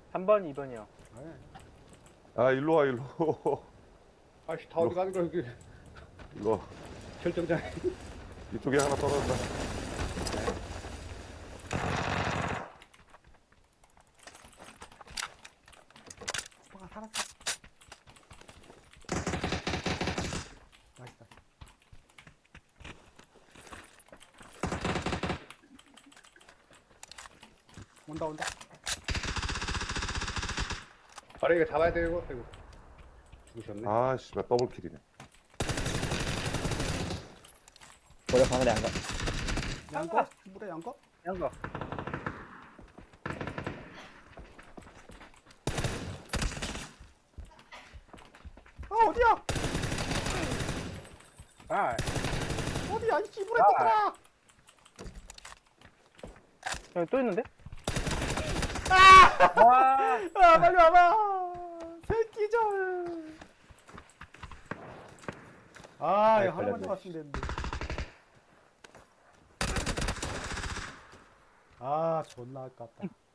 3번, 2번이요. 네. 아, 일로 와, 일로. 아씨 다 어디 가는 거야 여기 일로 와. 결정장. 이쪽에 하나 떨어진다. 수박아 살았어. 맛있다. 온다 온다. 바로 이거 잡아야 되고. 아이고. 죽으셨네. 아, 씨발, 더블킬이네. 모래 바늘에 안 가. 양거? 물에 양거? 양거. 아 어디야? 아, 어디야? 이 씨물에 아. 떴더라. 여기 또 있는데? 아! 와, 아 빨리 와봐. 새끼절. 아 이거 하나만 걸렸네. 잡았으면 되는데. 아 존나 아깝다.